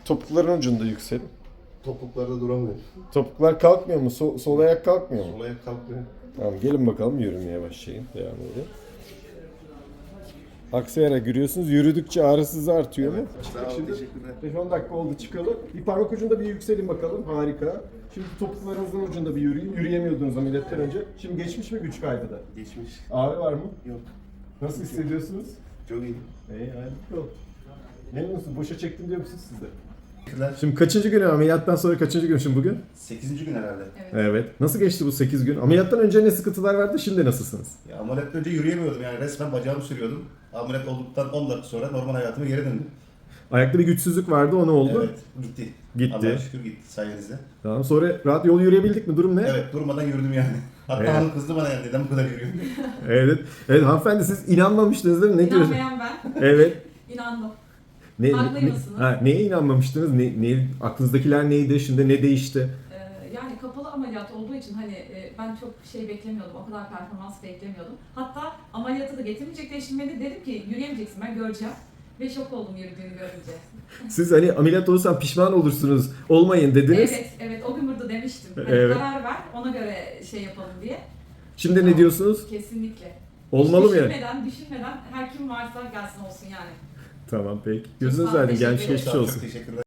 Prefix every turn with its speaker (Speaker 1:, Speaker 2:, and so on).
Speaker 1: Topukların ucunda yüksel.
Speaker 2: Topuklarda duramıyor.
Speaker 1: Topuklar kalkmıyor mu? Sol ayak kalkmıyor mu?
Speaker 2: Sol ayak kalkmıyor.
Speaker 1: Tamam gelin bakalım yürümeye başlayın. Devam edin. Aksayarak yürüyorsunuz. Yürüdükçe ağrısız artıyor mu?
Speaker 2: Sağ ol,
Speaker 1: Şimdi
Speaker 2: teşekkürler.
Speaker 1: 5-10 dakika oldu çıkalı. Bir parmak ucunda bir yükselin bakalım. Harika. Şimdi topuklarınızın ucunda bir yürüyün. Yürüyemiyordunuz ameliyattan önce. Şimdi geçmiş mi güç kaybı da?
Speaker 2: Geçmiş.
Speaker 1: Ağrı var mı?
Speaker 2: Yok.
Speaker 1: Nasıl hissediyorsunuz?
Speaker 2: Çok iyi.
Speaker 1: Harika. Memnun musunuz? Boşa çektim diyor musunuz siz de?
Speaker 2: Teşekkürler.
Speaker 1: Şimdi kaçıncı gün ameliyattan sonra kaçıncı gün şimdi bugün?
Speaker 2: 8. gün herhalde.
Speaker 1: Evet. Nasıl geçti bu 8 gün? Ameliyattan önce ne sıkıntılar vardı, şimdi nasılsınız?
Speaker 2: Ya ameliyattan önce yürüyemiyordum yani resmen bacağımı sürüyordum. Ameliyat olduktan 10 dakika sonra normal hayatıma geri döndüm.
Speaker 1: Ayakta bir güçsüzlük vardı, o ne oldu?
Speaker 2: Evet, gitti.
Speaker 1: Gitti.
Speaker 2: Allah'a şükür gitti sayenizde.
Speaker 1: Tamam, sonra rahat yol yürüyebildik mi? Durum ne?
Speaker 2: Evet, durmadan yürüdüm yani. Hatta
Speaker 1: Evet.
Speaker 2: hanım kızdı bana yani neden bu kadar yürüyorsun?
Speaker 1: Evet. Evet hanımefendi, siz inanmamıştınız değil mi? Ne diyorsunuz?
Speaker 3: İnanmayan ben.
Speaker 1: Evet.
Speaker 3: İnandım.
Speaker 1: Ne,
Speaker 3: Haklıymışsınız.
Speaker 1: neye inanmamıştınız? Aklınızdakiler neydi? Şimdi ne değişti?
Speaker 3: Yani kapalı ameliyat olduğu için hani ben çok şey beklemiyordum, o kadar performans beklemiyordum. Hatta ameliyatı da getirmeyecekler, şimdi beni dedim ki yürüyemeyeceksin, ben göreceğim. Ve şok oldum yürüdüğünü görünce.
Speaker 1: Siz hani ameliyat olursan pişman olursunuz, olmayın dediniz.
Speaker 3: Evet, o gün burada demiştim. Hani
Speaker 1: Evet.
Speaker 3: karar ver, ona göre şey yapalım diye.
Speaker 1: Şimdi ne
Speaker 3: Tamam,
Speaker 1: diyorsunuz?
Speaker 3: Kesinlikle.
Speaker 1: Olmalı mı yani?
Speaker 3: Düşünmeden her kim varsa gelsin olsun yani.
Speaker 1: Tamam peki.
Speaker 3: Çok
Speaker 1: Gözünüz
Speaker 3: sağ olun,
Speaker 1: aydın. Gelmiş
Speaker 3: teşekkür
Speaker 1: geçmiş
Speaker 2: Sağ ol,
Speaker 1: olsun.
Speaker 2: çok teşekkürler.